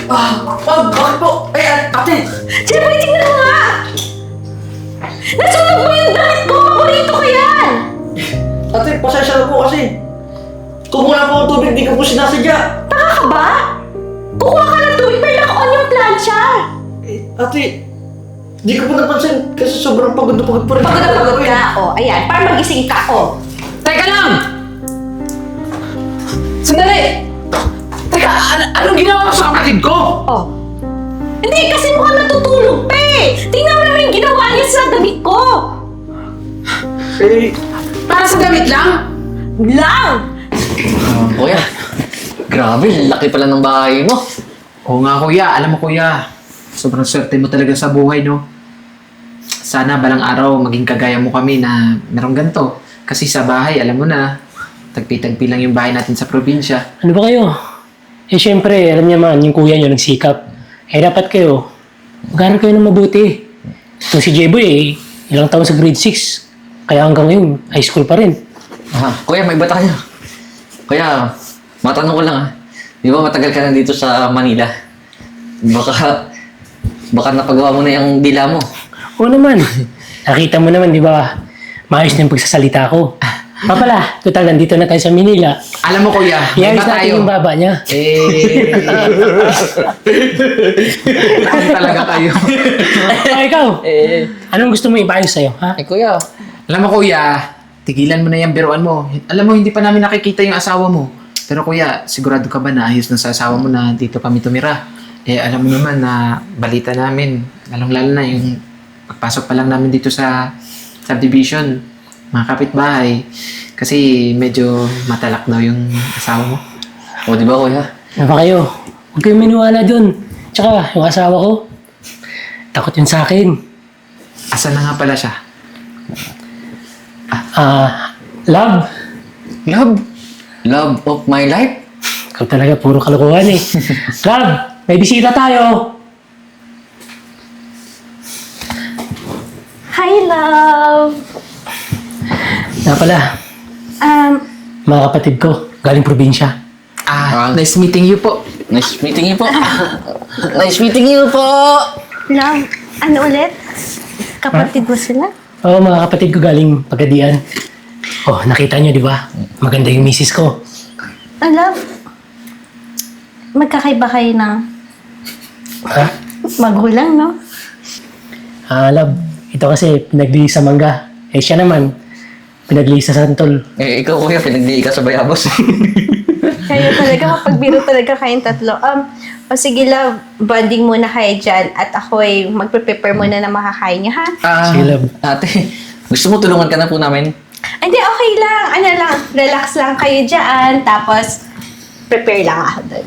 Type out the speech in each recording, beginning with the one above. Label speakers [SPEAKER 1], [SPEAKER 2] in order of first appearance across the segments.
[SPEAKER 1] Bakit po? Ate!
[SPEAKER 2] Jeboy, tingnan mo nga! Nasunog mo yung damit ko! Paborito ko yan!
[SPEAKER 1] Ate, pasensya na po kasi. Kumuha po ang tubig, di ko po sinasadya.
[SPEAKER 2] Taka ka ba? Kukuha ka ng tubig pero naka-on yung plancha!
[SPEAKER 1] Ate, di ko po napansin kasi sobrang pagod na pagod po rin.
[SPEAKER 2] Pagod na pagod ka, ayan, para magising ka,
[SPEAKER 3] Teka lang! Sandali! Teka, anong ginawa mo sa kapatid ko?
[SPEAKER 2] Hindi, kasi mukhang natutulog pa Tingnan mo naman yung ginawa niya sa damit ko!
[SPEAKER 3] Para sa damit lang?
[SPEAKER 2] Lang!
[SPEAKER 4] Kuya, grabe, laki pala ng bahay mo.
[SPEAKER 3] Oo nga kuya, alam mo kuya, sobrang swerte mo talaga sa buhay, no? Sana balang araw maging kagaya mo kami na merong ganito. Kasi sa bahay, alam mo na, tagpi-tagpi lang yung bahay natin sa probinsya.
[SPEAKER 5] Ano ba kayo? Eh syempre, alam niya man, yung kuya niyo nagsikap. Eh dapat kayo, mag-aaral kayo ng mabuti. Itong si Jeboy ilang taon sa grade 6. Kaya hanggang ngayon, high school pa rin.
[SPEAKER 4] Kuya, may bata kayo. Kuya, matanong ko lang Di ba matagal ka na dito sa Manila? Baka napagawa mo na yung dila mo.
[SPEAKER 5] Oo naman. Nakita mo naman, di ba? Maayos na yung pagsasalita ko. Papala, total, nandito na tayo sa Manila.
[SPEAKER 3] Alam mo kuya, may
[SPEAKER 5] Iayos
[SPEAKER 3] ba
[SPEAKER 5] natin
[SPEAKER 3] tayo?
[SPEAKER 5] yung baba niya.
[SPEAKER 3] Ano talaga kayo?
[SPEAKER 5] Ikaw, anong gusto mo ipaayos sa'yo, ha?
[SPEAKER 4] Kuya.
[SPEAKER 3] Alam mo kuya, tigilan mo na yung biruan mo. Alam mo, hindi pa namin nakikita yung asawa mo. Pero kuya, sigurado ka ba na ayos na sa asawa mo na dito kami tumira? Alam mo naman na balita namin, lalong-lalo na yung pagpasok pa lang namin dito sa subdivision, mga kapitbahay. Kasi medyo matalak daw yung asawa mo.
[SPEAKER 4] O, di ba kuya?
[SPEAKER 5] Ano ba kayo? Huwag kayong maniwala dun. Tsaka, yung asawa ko, takot yun sa akin.
[SPEAKER 3] Asa na nga pala siya?
[SPEAKER 5] Love,
[SPEAKER 4] Love of my life?
[SPEAKER 5] ikaw talaga puro kalokohan Love, may bisita tayo.
[SPEAKER 2] Hi, love!
[SPEAKER 5] Na pala, mga kapatid ko, galing probinsya.
[SPEAKER 3] Nice meeting you po.
[SPEAKER 4] Nice meeting you po. Nice meeting you po.
[SPEAKER 2] Love, ano ulit? Kapatid mo sila?
[SPEAKER 5] Oo, mga kapatid ko galing Pagadian. Oh, nakita nyo, di ba? Maganda yung misis ko.
[SPEAKER 2] Love, magkakaiba kayo ng
[SPEAKER 5] Ha?
[SPEAKER 2] magulang, no?
[SPEAKER 5] Love, ito kasi pinaglihi sa mangga. Eh, siya naman, pinaglihi sa santol.
[SPEAKER 4] Ikaw kuya, pinagdi ka sa bayabos.
[SPEAKER 2] Kayo talaga, mapagbiro talaga kayong tatlo. Sige love, bonding muna kayo dyan at ako ay magpe-prepare muna na makakain niyo, ha?
[SPEAKER 5] Sige, love.
[SPEAKER 4] Ate, gusto mo tulungan ka na po namin?
[SPEAKER 2] Hindi, okay lang. Ano lang, relax lang kayo dyan. Tapos, prepare lang ako doon.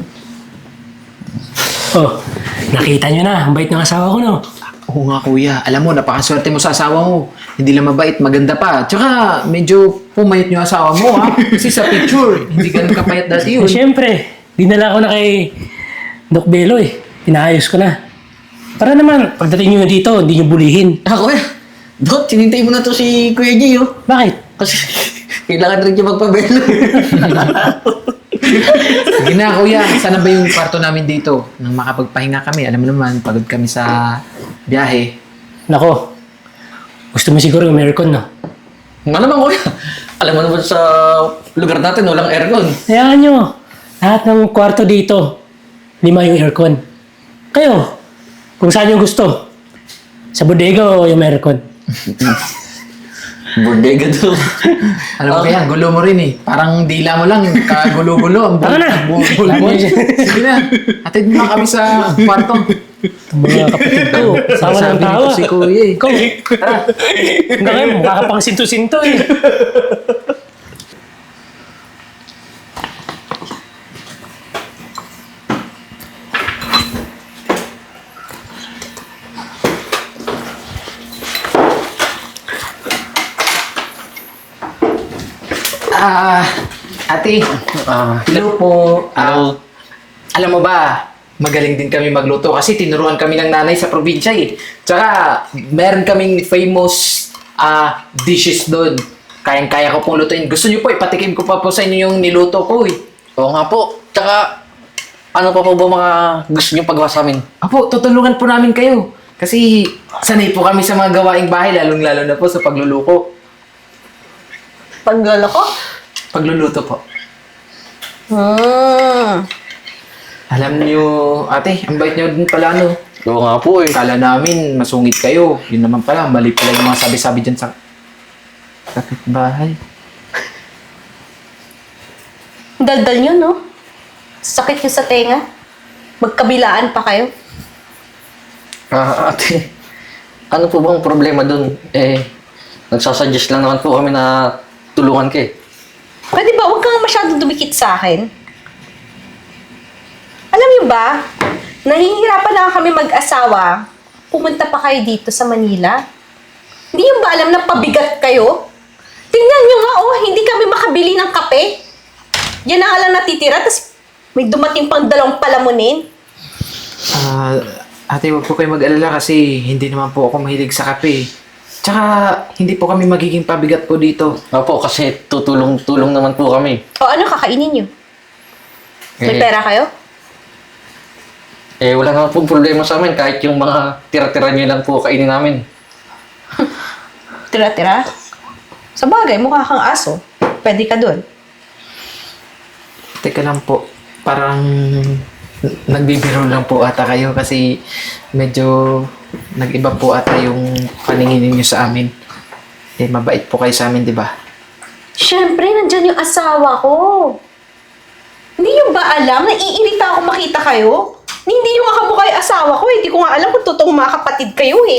[SPEAKER 5] Oh, nakita nyo na, ang bait ng asawa ko, no?
[SPEAKER 3] Oo nga kuya, alam mo, napakaswerte mo sa asawa mo. Hindi lang mabait, maganda pa. Tsaka, medyo pumayat yung asawa mo Kasi sa picture, hindi ganun kapayat dati yun.
[SPEAKER 5] Eh, syempre, dinala ko na kay Doc Belo Pinaayos ko na. Para naman, pagdating nyo dito, hindi nyo bulihin.
[SPEAKER 4] Kuya, Dot, sinintay mo na to si Kuya Gio.
[SPEAKER 5] Bakit?
[SPEAKER 4] Kasi kailangan rin niya magpabelo.
[SPEAKER 3] Sige na kuya, sana ba yung kwarto namin dito? Nang makapagpahinga kami, alam mo naman, pagod kami sa biyahe.
[SPEAKER 5] Nako, gusto mo siguro yung aircon, no?
[SPEAKER 4] Malamang kuya. Alam mo naman sa lugar natin, walang aircon.
[SPEAKER 5] Hayaan nyo, lahat ng kwarto dito, 5 yung aircon. Kayo, kung saan yung gusto. Sa bodega o yung aircon?
[SPEAKER 4] Bodega to.
[SPEAKER 3] Alam mo kaya, gulo mo rin Parang dila mo lang, kagulo-gulo. Ang
[SPEAKER 5] Tama na.
[SPEAKER 3] bulo. Sige na, atid mo na kami sa kwarto.
[SPEAKER 5] Itong mga kapatid ko, sawa ng
[SPEAKER 3] Sabi
[SPEAKER 5] tawa.
[SPEAKER 3] nito si kuya
[SPEAKER 5] Ikaw, tara. Hanggang ngayon, mukha ka pang sinto-sinto
[SPEAKER 3] Ate, hello po. Alam mo ba, magaling din kami magluto kasi tinuruan kami ng nanay sa probinsya Tsaka, meron kaming famous dishes doon. Kayang-kaya ko pong lutuin. Gusto niyo po, ipatikim ko pa po sa inyo yung niluto ko
[SPEAKER 4] Oo nga po. Tsaka, ano pa po ba mga gusto niyong pagawa sa amin?
[SPEAKER 3] Apo, tutulungan po namin kayo. Kasi sanay po kami sa mga gawaing bahay, lalong-lalo na po sa pagluluko.
[SPEAKER 2] Paglolo ko?
[SPEAKER 3] Pagluluto po.
[SPEAKER 2] Hmm.
[SPEAKER 3] Alam niyo, ate, ang bait niyo din pala, no?
[SPEAKER 4] Oo nga po eh.
[SPEAKER 3] Kala namin, masungit kayo. Yun naman pala, mali pala yung mga sabi-sabi dyan sa kapitbahay.
[SPEAKER 2] Daldal nyo, no? Sakit nyo sa tenga. Magkabilaan pa kayo.
[SPEAKER 4] Ate, ano po bang problema dun? Nagsasuggest lang naman po kami na tulungan ka eh.
[SPEAKER 2] Pwede ba, huwag kang masyadong dumikit sa akin. Alam niyo ba, nahihirapan na kami mag-asawa. Pumunta pa kayo dito sa Manila. Hindi niyo ba alam na pabigat kayo? Tingnan niyo nga, oh, hindi kami makabili ng kape. Yan na nga lang natitira, tapos may dumating pang 2 palamunin.
[SPEAKER 3] Ate, huwag po kayo mag-alala kasi hindi naman po ako mahilig sa kape. Tsaka, hindi po kami magiging pabigat po dito.
[SPEAKER 4] Opo, kasi tutulong-tulong naman po kami.
[SPEAKER 2] O ano, kakainin niyo? May pera kayo?
[SPEAKER 4] Wala naman po problema sa amin kahit yung mga tira-tira niyo lang po kainin namin.
[SPEAKER 2] Tira-tira? Sa bagay, mukha kang aso. Pwede ka dun.
[SPEAKER 3] Teka lang po, parang nagbibiro lang po ata kayo kasi medyo nag-iba po ata yung paningin niyo sa amin. Mabait po kayo sa amin, di ba?
[SPEAKER 2] Siyempre, nandyan yung asawa ko. Hindi niyo ba alam? Naiirita ako makita kayo. Hindi niyo nga kamukha yung asawa ko eh. Hindi ko nga alam kung totoong mga kapatid kayo eh.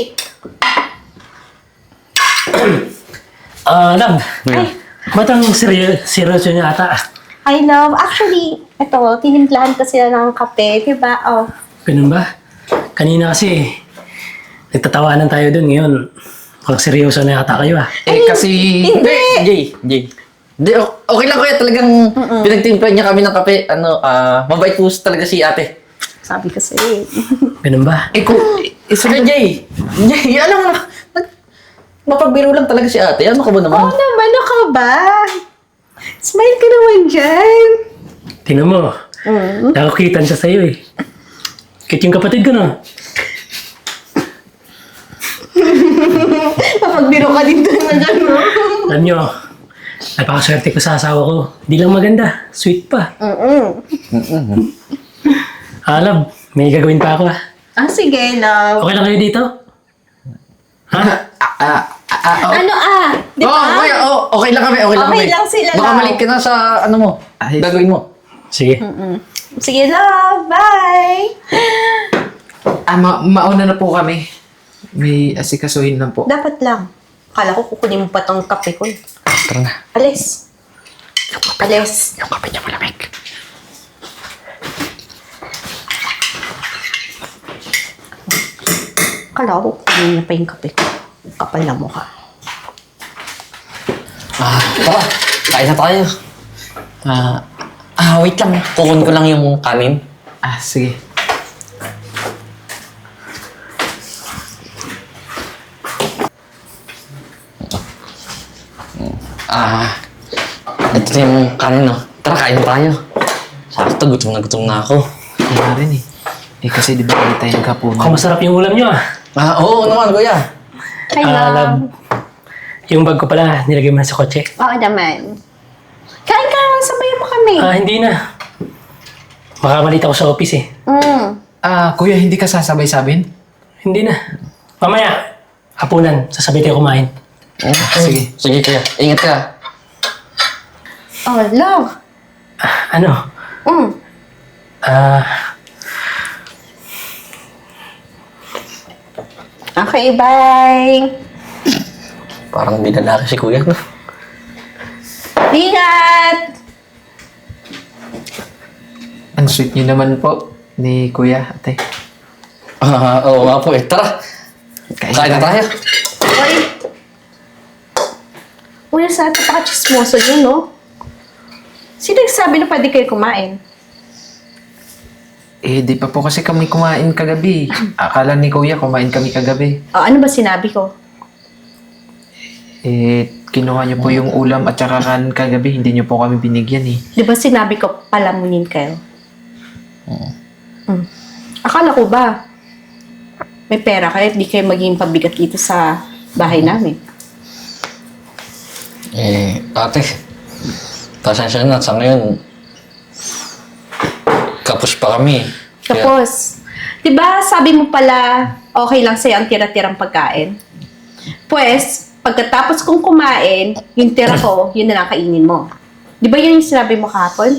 [SPEAKER 5] Love.
[SPEAKER 2] Ay,
[SPEAKER 5] Ba't ang seryoso niya ata?
[SPEAKER 2] I love. Actually, ito, tinimplahan ko sila ng kape, di ba? Oh.
[SPEAKER 5] Ganun ba? Kanina kasi, nagtatawanan tayo dun ngayon. Mukhang seryoso na yata kayo ah.
[SPEAKER 3] Kasi...
[SPEAKER 2] Hindi!
[SPEAKER 4] Jay. Hindi, okay lang kuya. Talagang pinagtimplan niya kami ng kape. Mabait po talaga si ate.
[SPEAKER 2] Sabi ko sa'yo.
[SPEAKER 5] Ganun ba?
[SPEAKER 4] Jay, alam mo na. Mapagbiro lang talaga si ate. Ano ka ba naman?
[SPEAKER 2] Oo naman, ano ka ba? Smile ka naman dyan.
[SPEAKER 5] Tingnan mo. Nakakitan siya sa'yo eh. Kit yung kapatid ko no?
[SPEAKER 2] Mapagbiro ka dito na gano'n.
[SPEAKER 5] Alam nyo, napakaswerte ko sa asawa ko. Di lang maganda, sweet pa. Love, may gagawin pa ako ah.
[SPEAKER 2] Ah, sige, love.
[SPEAKER 5] Okay lang kayo dito? Ha?
[SPEAKER 2] Ano Di ba?
[SPEAKER 4] Okay lang kami. Okay lang
[SPEAKER 2] Okay
[SPEAKER 4] kami.
[SPEAKER 2] lang sila
[SPEAKER 4] Baka
[SPEAKER 2] lang.
[SPEAKER 4] mali ka na sa ano mo. Gagawin mo.
[SPEAKER 5] Sige.
[SPEAKER 2] Sige, love. Bye.
[SPEAKER 3] mauna na po kami. May asikasuhin lang po.
[SPEAKER 2] Dapat lang. Akala ko kukunin mo pa tong kape ko.
[SPEAKER 4] Tara na.
[SPEAKER 2] Alis. Alis.
[SPEAKER 4] Yung kape niya malamig.
[SPEAKER 2] Akala ko kukunin na pa yung kape ko. Kapal na mukha.
[SPEAKER 4] Tara. Kain na tayo. Wait lang. Kukunin ko lang yung kanin.
[SPEAKER 3] Sige.
[SPEAKER 4] Ito na yung kanin, no? Tara, kain na tayo. Sakto, gutom na ako.
[SPEAKER 3] Kaya rin eh. Kasi di ba ulit tayo nagkapunan?
[SPEAKER 5] Mukhang masarap yung ulam nyo ah.
[SPEAKER 4] Oo naman, kuya.
[SPEAKER 2] Hi, love.
[SPEAKER 5] Yung bag ko pala, nilagay mo na sa kotse.
[SPEAKER 2] Oo naman. Kain ka naman, sabayan mo kami.
[SPEAKER 5] Hindi na. Makamalit ako sa office eh.
[SPEAKER 3] Kuya, hindi ka sasabay sa amin?
[SPEAKER 5] Hindi na. Mamaya, hapunan, sasabay tayo kumain.
[SPEAKER 3] Sige.
[SPEAKER 4] Sige, kuya. Ingat ka.
[SPEAKER 2] Oh, love.
[SPEAKER 5] Ano?
[SPEAKER 2] Okay, bye.
[SPEAKER 4] Parang binalaki si kuya, no?
[SPEAKER 2] Ingat!
[SPEAKER 3] Ang sweet niyo naman po ni Kuya, ate.
[SPEAKER 4] Oo nga po eh. Tara. Kain na tayo.
[SPEAKER 2] Uy, sa atin paka-chismoso yun, no? Sino nagsabi na pwede kayo kumain?
[SPEAKER 3] Di pa po kasi kami kumain kagabi. Akala ni Kuya kumain kami kagabi.
[SPEAKER 2] Ano ba sinabi ko?
[SPEAKER 3] Kinuha niyo po yung ulam at saka kanin kagabi. Hindi niyo po kami binigyan eh.
[SPEAKER 2] Di ba sinabi ko palamunin kayo? Akala ko ba, may pera kayo at di kayo maging pabigat dito sa bahay namin.
[SPEAKER 4] Ate, pasensya na. Sa ngayon, kapos pa kami.
[SPEAKER 2] Tapos, di ba sabi mo pala, okay lang sa'yo ang tira-tirang pagkain? Pues, pagkatapos kong kumain, yung tira ko, yun na lang kainin mo. Di ba yun yung sinabi mo kahapon?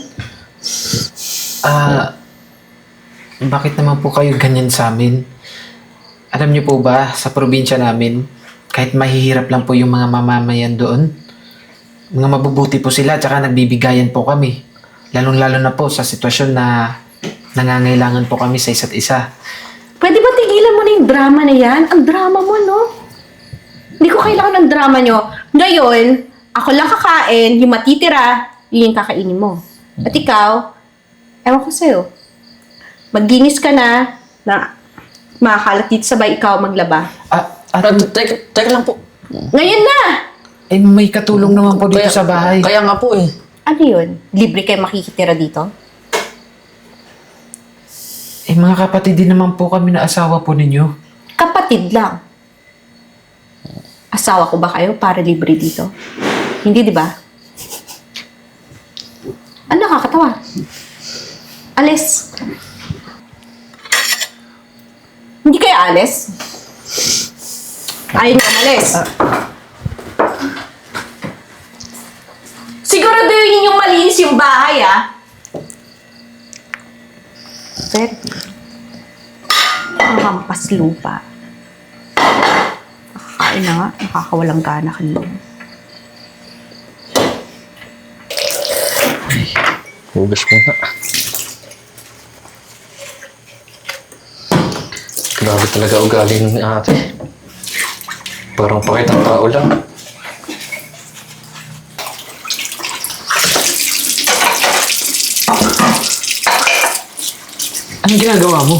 [SPEAKER 3] Bakit naman po kayo ganyan sa amin? Alam niyo po ba, sa probinsya namin, kahit mahihirap lang po yung mga mamamayan doon, mga mabubuti po sila, tsaka nagbibigayan po kami. Lalong-lalo na po sa sitwasyon na nangangailangan po kami sa isa't isa.
[SPEAKER 2] Pwede ba tigilan mo na yung drama na yan? Ang drama mo, no? Hindi ko kailangan ng drama nyo. Ngayon, ako lang kakain, yung matitira, yun yung kakainin mo. At ikaw, ewan ko sa'yo, maginis ka na makakalat dito sabay ikaw maglaba.
[SPEAKER 4] Teka lang po.
[SPEAKER 2] Ngayon na!
[SPEAKER 3] Eh, may katulong naman po dito sa bahay.
[SPEAKER 4] Kaya nga po eh.
[SPEAKER 2] Ano yun? Libre kayo makikitira dito?
[SPEAKER 3] Eh, mga kapatid din naman po kami na asawa po ninyo.
[SPEAKER 2] Kapatid lang. Asawa ko ba kayo para libre dito? Hindi, di ba? Ano nakakatawa? Alis. Hindi kayo alis? Ayaw niyo umalis. Siguraduhin yung malinis yung bahay, ah. Pero, hampas lupa. Nakakain na nga, nakakawalang gana kanina.
[SPEAKER 4] Hugas mo na. Grabe talaga ugali ni ate. Parang pakitang tao lang.
[SPEAKER 3] Anong ginagawa mo?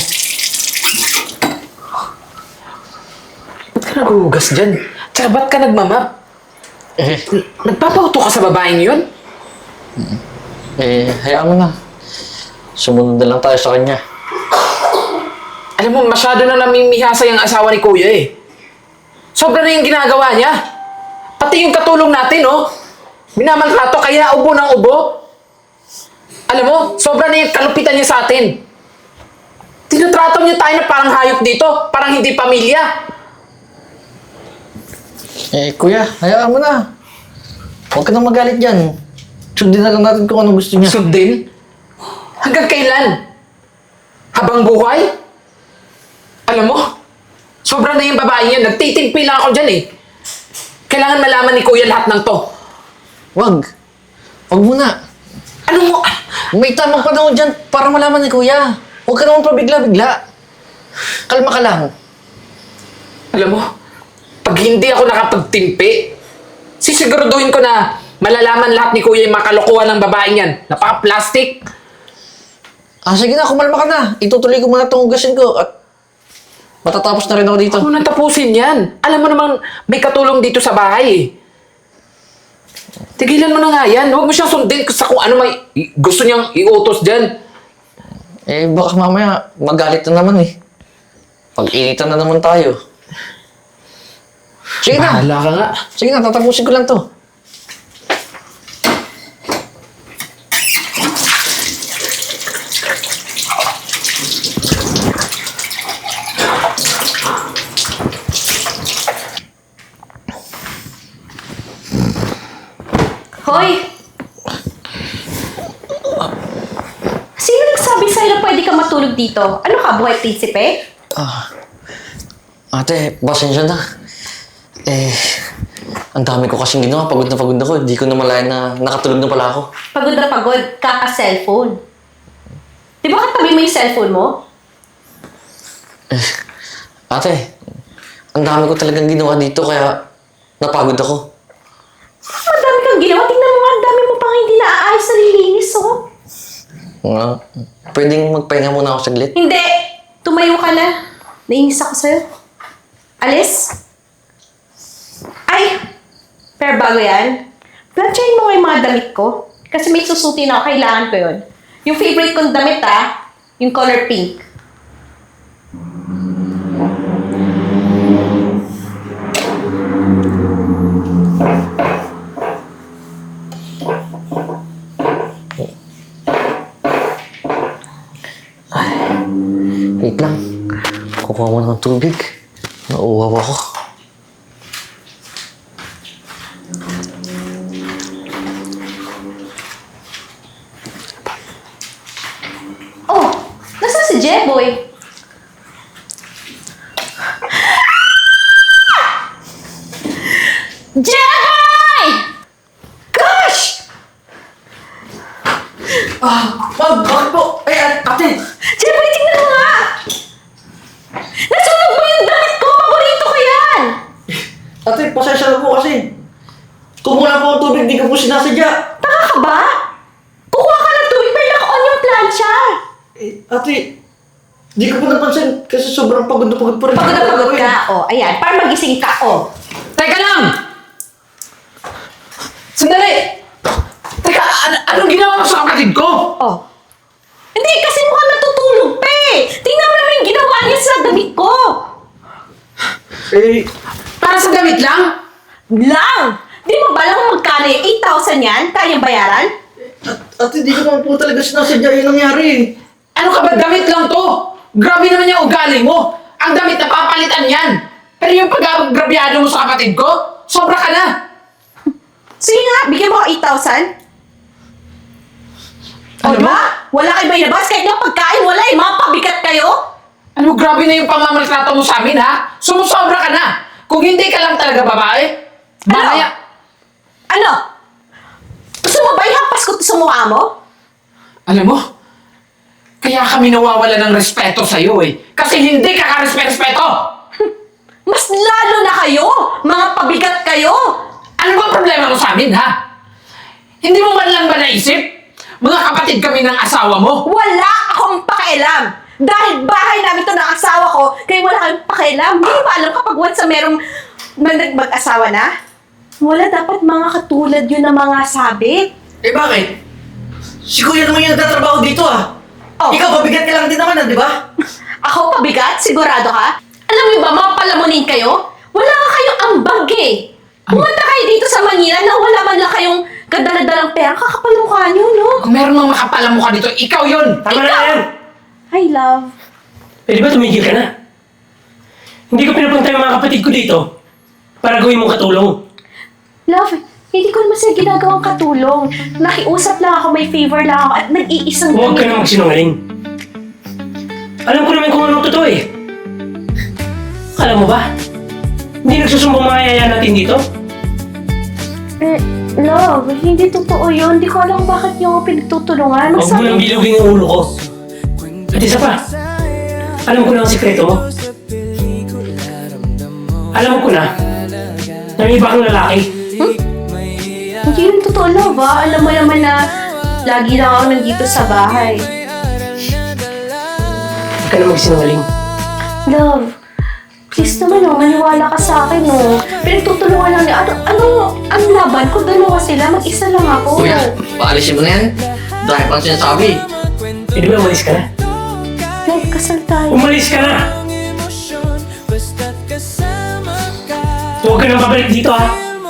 [SPEAKER 3] Ba't ka naghuhugas dyan? Tsaka ba't ka nagmamap? Nagpapauto ka sa babaeng yun?
[SPEAKER 4] Hayaan mo na. Sumunod na lang tayo sa kanya.
[SPEAKER 3] Alam mo, masyado na namimihasa yung asawa ni Kuya eh. Sobra na yung ginagawa niya. Pati yung katulong natin, oh. Minamaltrato, kaya ubo ng ubo. Alam mo, sobra na yung kalupitan niya sa atin. Tinutrato niya tayo na parang hayop dito, parang hindi pamilya.
[SPEAKER 4] Kuya, hayaan mo na. Huwag ka nang magalit dyan. Sundin na lang natin kung ano gusto niya.
[SPEAKER 3] Sundin? Hanggang kailan? Habang buhay? Alam mo, sobra na yung babae yan. Nagtitimpi lang ako dyan eh. Kailangan malaman ni Kuya lahat ng to.
[SPEAKER 4] Wag. Wag muna.
[SPEAKER 3] Ano mo?
[SPEAKER 4] May tamang panahon dyan para malaman ni Kuya. Huwag ka naman pabigla-bigla. Kalma ka lang.
[SPEAKER 3] Alam mo, pag hindi ako nakapagtimpi, sisiguraduhin ko na malalaman lahat ni Kuya yung mga kalokohan ng babaeng yan. Napaka-plastic.
[SPEAKER 4] Sige na, kumalma ka na. Itutuloy ko muna itong hugasin ko at matatapos na rin ako dito.
[SPEAKER 3] Ako nang tapusin yan. Alam mo namang may katulong dito sa bahay eh. Tigilan mo na nga yan. Huwag mo siyang sundin sa kung ano may gusto niyang iutos dyan.
[SPEAKER 4] Baka mamaya magalit na naman eh. Pag-initan na naman tayo. Sige na.
[SPEAKER 3] Bahala ka nga.
[SPEAKER 4] Sige na, tatapusin ko lang to.
[SPEAKER 2] Hoy! Sino nagsabi sa'yo na pwede ka matulog dito? Ano ka, buhay prinsipe?
[SPEAKER 4] Ate, pasensya na. Ang dami ko kasing ginawa. Pagod na pagod ako. Hindi ko na malayan na nakatulog na pala ako.
[SPEAKER 2] Pagod na pagod, kaka-cellphone. Di ba katabi mo yung cellphone mo?
[SPEAKER 4] Ate, ang dami ko talagang ginawa dito kaya napagod ako.
[SPEAKER 2] Madami kang ginawa. Tingnan mo nga, ang dami mo pang hindi naaayos na nilinis, oh.
[SPEAKER 4] Pwedeng magpahinga muna ako saglit?
[SPEAKER 2] Hindi! Tumayo ka na. Nainis ako sa'yo. Alis? Ay! Pero bago yan, plansyahin mo nga yung mga damit ko. Kasi may susutin ako, kailangan ko yun. Yung favorite kong damit, Yung color pink.
[SPEAKER 4] Wait lang. Kukuha mo ng tubig. Nauuhaw ako.
[SPEAKER 2] Oh, nasaan si Jeboy? Jeboy! Gosh!
[SPEAKER 1] Ma'am, bakit po? Ate!
[SPEAKER 2] Jeboy, tingnan mo nga! Nasunog mo yung damit ko! Paborito ko yan!
[SPEAKER 1] Ate, pasensya na po kasi. Kumuha po ang tubig, di ko po sinasadya.
[SPEAKER 2] Taka ka ba? Kukuha ka ng tubig pero naka-on yung plancha.
[SPEAKER 1] Ate, di ko po napansin kasi sobrang pagod na pagod po rin.
[SPEAKER 2] Pagod na pagod ka. O, ayan. Para magising ka. O.
[SPEAKER 3] Teka lang! Sandali! Teka, anong ginawa mo sa kapatid ko?
[SPEAKER 2] O. Hindi, kasi mukhang natutulog pa eh. Tingnan mo naman yung ginawa niya sa damit ko.
[SPEAKER 3] Para sa damit lang?
[SPEAKER 2] Lang! Di mo ba lang kung magkano yung 8,000 yan? Kayang bayaran?
[SPEAKER 1] Ate, di ko naman po talaga sinasadya yung nangyari.
[SPEAKER 3] Ano ka ba? Damit lang to! Grabe naman yung ugali mo! Ang damit na papalitan yan! Pero yung pag-agrabyado mo sa kapatid ko, sobra ka na!
[SPEAKER 2] Sige nga, bigyan mo ako 8,000. O
[SPEAKER 3] Ano
[SPEAKER 2] diba? Wala kayo ba inabas? Kahit nga pagkain, wala eh. Mga pabigat kayo.
[SPEAKER 3] Ano, grabe na yung pamamaltrato mo sa amin, ha? Sumusobra ka na! Kung hindi ka lang talaga babae, mamaya...
[SPEAKER 2] Ano? Gusto mo ba ihampas ko to sa mukha mo?
[SPEAKER 3] Alam mo, kaya kami nawawala ng respeto sa'yo eh. Kasi hindi ka ka-respeto!
[SPEAKER 2] Mas lalo na kayo! Mga pabigat kayo!
[SPEAKER 3] Ano ba ang problema mo sa amin, ha? Hindi mo man lang ba naisip? Mga kapatid kami ng asawa mo.
[SPEAKER 2] Wala akong pakialam! Dahil bahay namin to ng asawa ko, kaya wala kayong pakialam. Hindi mo ba alam kapag once na merong mag-asawa na? Wala dapat mga katulad yun ng mga sabit.
[SPEAKER 1] Bakit? Si Kuya naman yung nagtatrabaho dito
[SPEAKER 2] Oh.
[SPEAKER 1] Ikaw, pabigat ka lang din naman di ba?
[SPEAKER 2] Ako pabigat? Sigurado ka? Alam niyo ba, mga palamunin kayo? Wala ka kayong ambag eh. Pumunta kayo dito sa Manila na wala man lang kayong kadala-dalang pera. Kakapal ang mukha niyo, no?
[SPEAKER 3] Kung meron mang makapalang mukha dito, ikaw yun!
[SPEAKER 5] Tama na yan!
[SPEAKER 2] Hi, love.
[SPEAKER 5] Pwede ba tumigil ka na? Hindi ko pinapunta yung mga kapatid ko dito para gawin mong katulong.
[SPEAKER 2] Love, hindi ko naman sila ginagawang katulong. Nakiusap lang ako, may favor lang ako at nag-iisang
[SPEAKER 5] Huwag ka na magsinungaling. Alam ko naman kung anong totoo eh. Alam mo ba? Hindi nagsusumbong mga yaya natin dito?
[SPEAKER 2] Love, hindi totoo yun. Hindi ko alam bakit yung pinagtutulungan.
[SPEAKER 5] Huwag mo nang bilugin yung ulo ko. At isa pa, alam ko na ang sikreto mo. Alam ko na may iba kang lalaki.
[SPEAKER 2] Hindi yun totoo, love, ah. Alam mo naman na lagi lang ako nandito sa bahay.
[SPEAKER 5] Huwag ka na magsinungaling.
[SPEAKER 2] Love, please naman, oh, maniwala ka sa akin, oh. Pinagtutulungan lang niya. Ano laban ko? Dalawa sila, mag-isa lang ako.
[SPEAKER 4] Kuya, paalisin mo na yan. Dahil pang sinasabi.
[SPEAKER 5] Pwede ba umalis ka na?
[SPEAKER 2] Love, kasal tayo.
[SPEAKER 5] Umalis ka na! Huwag ka nang babalik dito ha!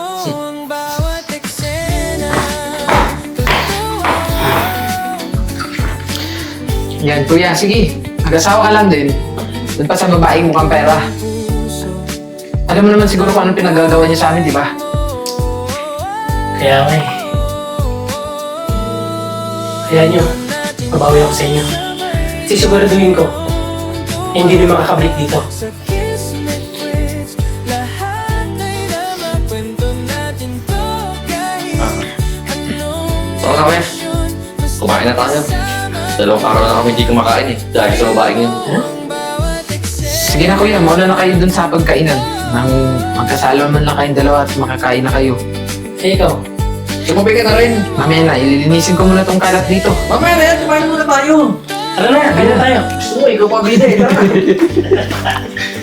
[SPEAKER 3] Yan, kuya, sige. Mag-asawa ka lang din. Doon pa sa babaeng mukhang pera. Alam mo naman siguro kung anong pinagagawa niya sa amin, di ba?
[SPEAKER 5] Kaya nga eh. Kaya nyo, mabawi ako sa inyo. Sisiguraduhin ko na hindi rin makakabalik dito.
[SPEAKER 4] Oo kami. Kumain na tayo. Dalawang araw na kami hindi kumakain eh. Dahil sa babaeng yun.
[SPEAKER 3] Sige na kuya, mauna na kayo dun sa pagkainan. Nang magkasalo man lang kayong dalawa at makakain na kayo.
[SPEAKER 5] Eh ikaw,
[SPEAKER 4] Sumabay ka na rin.
[SPEAKER 3] Mamaya na, ililinisin ko muna tong kalat dito.
[SPEAKER 1] Mamaya na yan, kumain muna tayo.
[SPEAKER 5] tara na, kaya tayo.
[SPEAKER 1] Gusto mo, ikaw pa bida Tara.